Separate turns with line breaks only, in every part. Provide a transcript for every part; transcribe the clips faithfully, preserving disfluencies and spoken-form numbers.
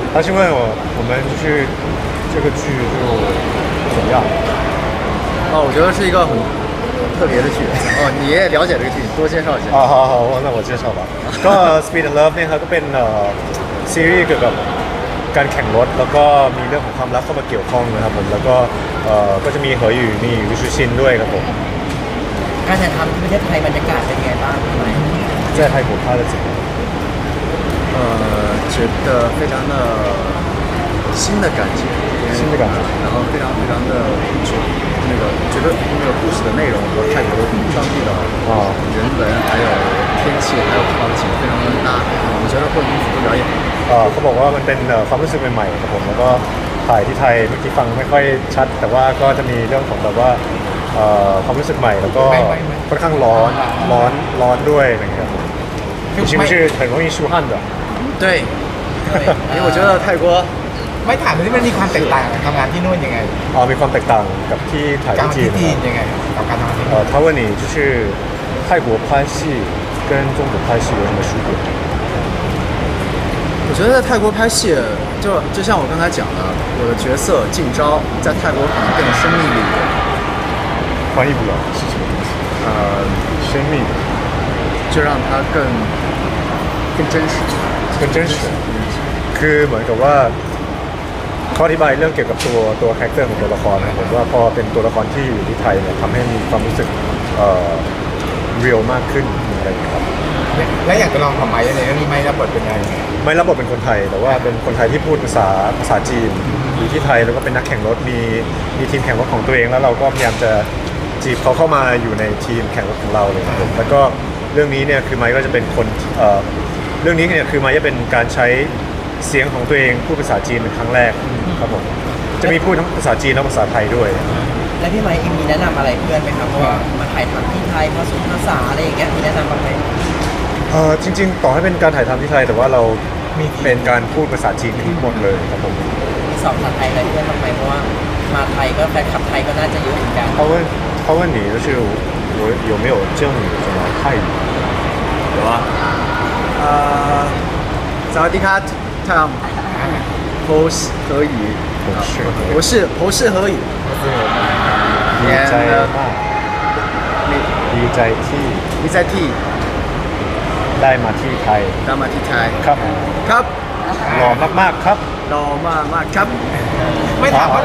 他是问我我们就是这个剧就怎么样？
哦，我觉得是一个很特别的剧。哦，你也了解这个剧，多介绍一下。
啊，好好，我那我介绍吧。ก็ Speed and Love เนี่ยครับก็เป็นซีรีส์เกี่ยวกับการแข่งรถแล้วก็มีเรื่องของความรักเข้ามาเกี่ยวข้องนะครับผมแล้วก็ก็จะมีเหออยู่มีวิชูชินด้วยครับผม
การถ่ายทำที่ประเทศไทยบรรยากาศเป็นยังไงบ้างทำไม
在泰国拍的怎么样？
呃，觉得非常的新的感觉，
新的感觉，
然后非常非常的那个觉得那个故事的内容和泰国当地的啊人文还有天气还有场景非常的搭，我觉得会很符合表演。
เขาบอกว่ามันเป็นความรู้สึกใหม่ๆครับผมแล้วก็ถ่ายที่ไทยเมื่อกี้ฟังไม่ค่อยชัดแต่ว่าก็จะมีเรื่องของแบบว่าความรู้สึกใหม่แล้วก็ค่อนข้างร้อนร้อนร้อนด้วยอะไรอย่างเงี้ย你是不是很容易出汗的？
对，因为我觉得泰国
ไม่ถามเลยที่มันมีความแตกต่างกับทำงานที่นู่นยังไง
อ๋อมีความแตกต่างกับที่ถ่ายที่จีน
ยังไงกับการทำงานที่
呃他问你就是泰国拍戏跟中国拍戏有什么区别？
我觉得在泰国拍戏，就就像我刚才讲的，我的角色静昭在泰国可能更有生命力一点。
翻译不了是什么东西？呃，生命，
就让它更更真实，
更真实。คือเหมือนกับว่าเขาอธิบายเรื่องเกี่ยวกับตัวตัวคาแรคเตอร์ของตัวละครนะผมว่าพอเป็นตัวละครที่อยู่ที่ไทยเนี่ยทำให้มีความรู้สึกเอ่อเรียลมากขึ้นอะไรอย่างเงี้ยครับ
และอย่างตัวละครของไม้ในเรื่องนี้ไม้รับบทเป็นยังไง
ไม่รับบทเป็นคนไทยแต่ว่าเป็นคนไทยที่พูดภาษาภาษาจีนอยู่ที่ไทยแล้วก็เป็นนักแข่งรถมีมีทีมแข่งรถของตัวเองแล้วเราก็พยายามจะจีบเขาเข้ามาอยู่ในทีมแข่งรถของเราเลยครับผมแล้วก็เรื่องนี้เนี่ยคือไม้ก็จะเป็นคนเอ่อเรื่องนี้เนี่ยคือไม้จะเป็นการใช้เสียงของตัวเองพูดภาษาจีนเป็นครั้งแรกครับผมจะมีพูดทั้งภาษาจีนและภาษาไทยด้วย
แล้วพี่ไมค์มีแนะนำอะไรเพื่อนไหมครับเพราะว่ามาถ่ายทำที่ไทยผสมภาษาอะไรอย่างเงี้ยมีแนะนำบ้างไหม
เออจริงๆต่อให้เป็นการถ่ายทำที่ไทยแต่ว่าเราเป็นการพูดภาษาจีนทั้งหมดเลยครับผม
มีสอบภาษาไทยอะไรเพื่อนบ้างไหมเพราะว่ามาไทยก็แฟนคลับไทยก็น่าจะเยอะเหมือนกัน
เขา问他问你就是我有没有教你什么泰语
有啊呃สวัสดีครับทำโพส和语我是我是和语
ดีใจมากดีใจที่
ดีใจที่
ได้มาที่ไทย
ได้มาที่ไทย
ครับ
ครับ
หล่อมากๆครับ
หล่อมากๆครับ
ไม่ถามว่า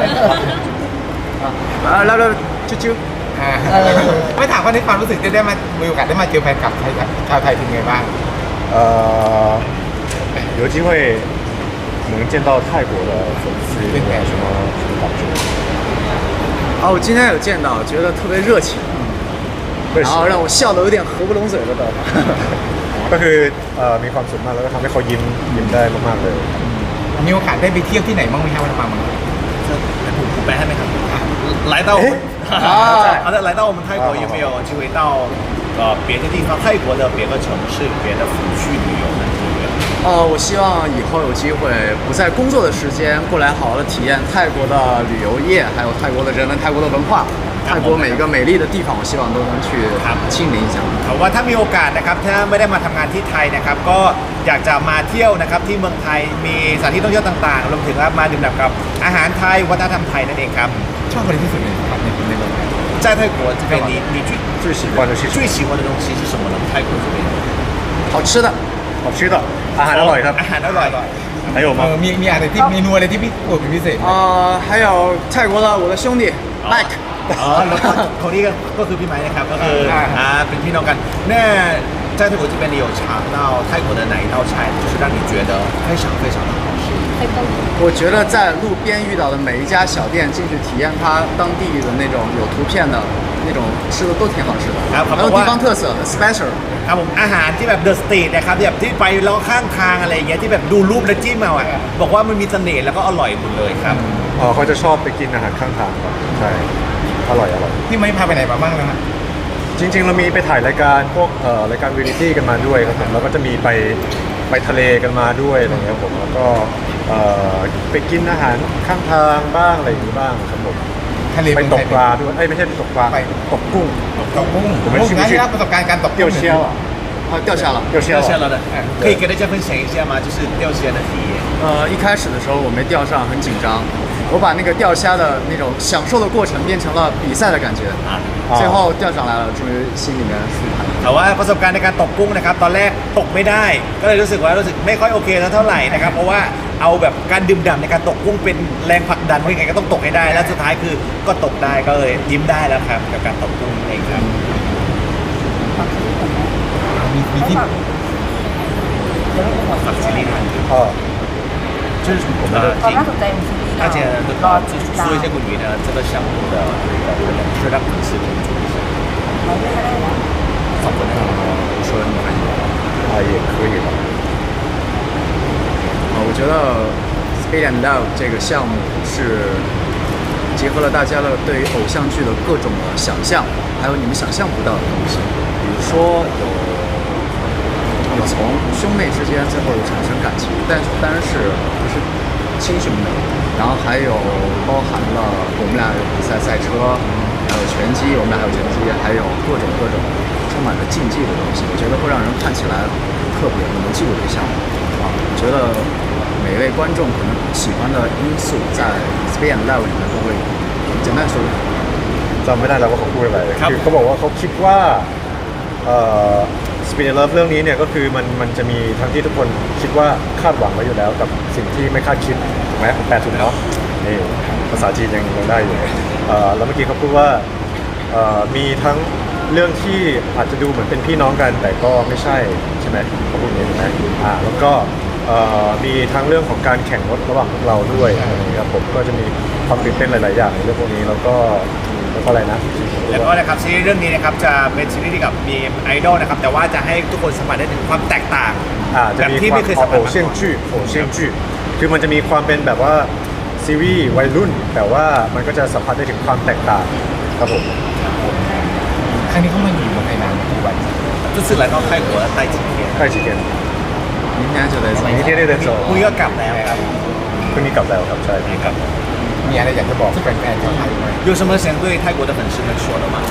แล้วแล้วชิว
ๆไม่ถามว่าในความรู้สึกจะได้มามีโอกาสได้มาเจอแฟนคลับไทยชาวไทยเป็นไงบ้าง
เอ่อ有机会能见到泰国的粉丝有没有什么什么感觉？
哦，我今天有见到，觉得特别热情，然后让我笑得有点合不拢嘴了都。
ก็คือมีความสุขมากแล้วก็ทำให้เขายิ้มยิ้มได้มากๆเลย
มีโอกาสได้ไปเที่ยวที่ไหนบ้างไหมครับวันมาเมือง
ผมผมแปลให้ไหมครับ来到啊好的来到我们泰国有没有机会到呃别的地方泰国的别的城市别的府去旅游呢
哦，我希望以后有机会不在工作的时间过来好好的体验泰国的旅游业，还有泰国的人文、泰国的文化，泰国每一个美丽的地方，我希望都能去亲临一下。
เขาว่าถ้ามีโอกาสนะครับถ้าไม่ได้มาทำงานที่ไทยนะครับก็อยากจะมาเที่ยวนะครับที่เมืองไทยมีสถานที่ท่องเที่ยวต่างๆรวมถึงมาดื่มด่ำกับอาหารไทยวัฒนธรรมไทยนั่นเองครับ
ชอบอะไรที่สุดในในในเมืองไทย
在泰国这边你你最
最喜欢的是
最喜欢的东西是什么呢泰国这边
好吃的
好吃的อาหารอร่อยครับ
อาหารอร่อย
还有吗
มีมีอะไรที่เมนูอะไรที่พี่โปรดเป็นพิเศษ
อ่า还有泰国的我的兄弟 Mike
อ๋อแล้วก็คนนี้ก็คือพี่ไม้นะครับก็คืออ่าเป็นพี่น้องกัน那在泰国这边你有尝到泰国的哪一道菜就是让你觉得非常非常的好吃
我觉得在路边遇到的每一家小店进去体验它当地的那种有图片的那种吃的都挺好吃的很有地方特色 special
ครับผมอาหารที่แบบเดอะสตรีทนะครับแบบที่ไปแล้วข้างทางอะไรอย่างเงี้ยที่แบบดูรูปแล้วจิ้มเอาอ่ะบอกว่ามันมีเสน่ห์แล้วก็อร่อยหมดเลยครับ
อ๋อเขาจะชอบไปกินอาหารข้างทางครับใช่อร่อยอร่อย
พี่ไม่พาไปไหนมาบ้างแล้วนะ
จริงๆเรามีไปถ่ายรายการพวกเอ่อรายการวีดิตี้กันมาด้วยครับผมแล้วก็จะมีไปไปทะเลกันมาด้วยอะไรเงี้ยผมแล้วก็เอ่อไปกินอาหารข้างทางบ้างอะไรอย่างนี้บ้างครับผม
ทะเล
ไปตกปลาด้วยเอ้ยไม่ใช่ตกปลาตกกุ้ง
ตกกุ้งผมไม่ได้รับประสบการณ์การตก
กุ้งเชี่ยว
啊掉下了
掉下了
掉下了的可以跟大家分享一下吗就是掉下的体验
呃，一开始的时候我没钓上，很紧张。我把那个钓虾的那种享受的过程变成了比赛的感觉，
啊
最后钓上来了，终于心里面舒坦了。
แต่ว่าประสบการณ์ในการตกกุ้งนะครับตอนแรกตกไม่ได้ ก็เลยรู้สึกว่ารู้สึกไม่ค่อยโอเคเท่าไหร่นะครับเพราะว่าเอาแบบการดื่มด่ำในการตกกุ้งเป็นแรงผลักดันว่ายังไงก็ต้องตกให้ได้แล้วสุดท้ายคือก็ตกได้ก็เลยยิ้มได้แล้วครับกับการตกกุ้งเองครับ
มีมีที่
ฝากซีรีส์หน่อย
哦，就是我们的
ความน่าสนใจของซีรีส์
大家都
รอ
就
ติด
是
ตาม
说一下关于呢这个项目的是让粉丝关注一下。
เราไม่ได้แล้ว
สองคนนะครับ
我说你看，
啊也可以吧。
呃，我觉得 Speed and Love 这个项目是结合了大家的对于偶像剧的各种的想象，还有你们想象不到的东西，比如说有有从兄妹之间最后产生感情，但当然是不是亲兄妹，然后还有包含了我们俩有比赛赛车，还有拳击，我们俩还有拳击，还有各种各种充满了竞技的东西，我觉得会让人看起来特别能记住这个项目啊。我觉得每位观众可能喜欢的因素在 Speed and Love 里面都会简单说。
จำไม่ได้แล้วว่าเขาพูดอะไร
ครับ
คือเขาบอกว่าเขาคิดว่าเอ่อ Speed and Love เรื่องนี้เนี่ยก็คือมันมันจะมีทั้งที่ทุกคนคิดว่าคาดหวังไว้อยู่แล้วกับสิ่งที่ไม่คาดคิดถูกไหมแปลถูกเนาะนี่ภาษาจีนยังยังได้อยู่เอ่อแล้วเมื่อกี้เขาพูดว่าเอ่อมีทั้งเรื่องที่อาจจะดูเหมือนเป็นพี่น้องกัน แต่ก็ไม่ใช่ใช่ไหมเขาพูดอย่างนี้ถูกไหมอ่าแล้วก็เอ่อมีทั้งเรื่องของการแข่งรถระหว่างพวกเราด้วยอะไรอย่างเงี้ยครับผมก็จะมีความตื่นเต้นหลาย ๆ อย่างในเรื่องพวกนี้แล้วก็แล้วก็อะไรนะ
แล้วก็นะครับซีรีส์เรื่องนี้นะครับจะเป็นซีรีส์ที่กับมีไอดอลนะครับแต่ว่าจะให้ทุกคนสัมผัสได้ถึงความแตกต่าง
อ่าจะ
แบบ
มี
ที่
ความ
ไม่เคยสัมผัส
โอ
มา
เชียน
ก่อน
จื้อโอเชียนจื้อคือมันจะมีความเป็นแบบว่าซีรีส์วัยรุ่น แต่ว่ามันก็จะสัมผัสได้ถึงความแตกต่างครับผม
ครั้งนี้เขามาอยู่เมืองไทยนานกี่วัน
这次来到泰国待几天
ใกล้จีเกน
明天就得走。
นี่ที่ได้เดินโซ
พรุ่งนี้ก็กลับแล้วครับ
พรุ่งนี้กลับแล้วครับใช่
ครับ
มีอะไรอยากจะบอกแฟนๆชาวไทยไหม
有什么想对泰国的粉丝们说的吗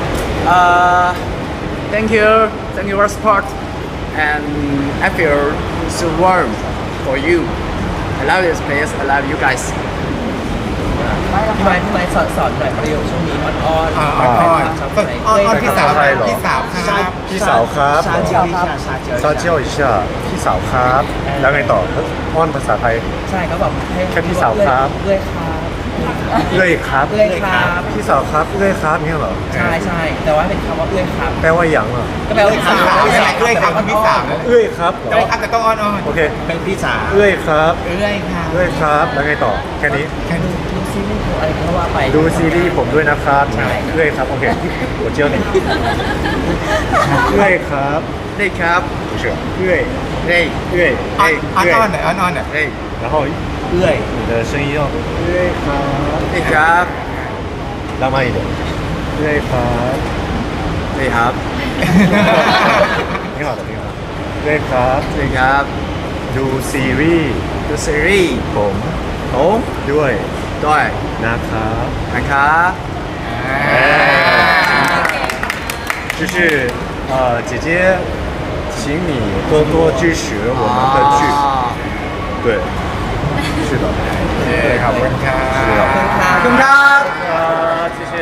Uh, thank you, thank you for support, and I feel so warm for you. I love this place. I love you guys.
พี่ไม้พี่ไม้สอนสอนหน่อยประโยคช่วงนี้อ่อนๆ
อ่าอ่อนๆ
ชาว
อ้อน
ไทย
อ้อนๆพี่สาวพี่สาวครับ
พี่สาวครับ
撒娇一下撒娇
ซาเจียวอิชาพี่สาวครับ แล้วไงต่ออ้อนภาษาไทย
ใช่เขาบอกให้
แค่พี่สาวครับ
เลื่อยครับ
เอ้ยครับ
เลื่อยครับ
พี่สาวครับเอ้ยครับเนี่ยเหรอ
ใช่ใช่แต่ว่าเป็นคำว่าเลื่อยครับ
แปลว่าอย่างเหรอ
ก็แปลว่า
พี่สาวพี่สาวเอ้ยครับพี่สาว
เอ้ยครับเหร
เอ้
อย
ครับแต่ต้องอ้อนๆ
โอเค
เป็นพี่สาว
เอ้ยครับ
เอ้ยครับ
เอ้ยครับ แล้วไงต่อแค่นี้
แค่นี้
ดูซีรีส์อะไรก็ว่าไป
ดูซีรีส์ผมด้วยนะครับ
ใช่
เอ้ยครับ โอเคหัวเจียวหนึ่งเอ้ยครับ
对ครับ
不是เอ้ย
对
เอ้ย
อ้
เอ้ย
อน
เอ้ย
ๆหน่อยอ้อนๆหน่อย
对
然后
เอื้อย
你的声音要เอ้ยครับ
对ครับ
浪漫一点เอ้ยครับ
对ครับ
挺好的挺好的เอ้ยครับ
对ครับ
ดูซีรีส์
ดูซีรีส์
ผม
ผม
ด้วย
ด้วย
นะครับ
นะครับ
就是呃，姐姐，请你多多支持我们的剧。
啊
对，是的，
ขอบคุณครับ
是的。
ขอบคุณค่ะ
ขอบคุณครับ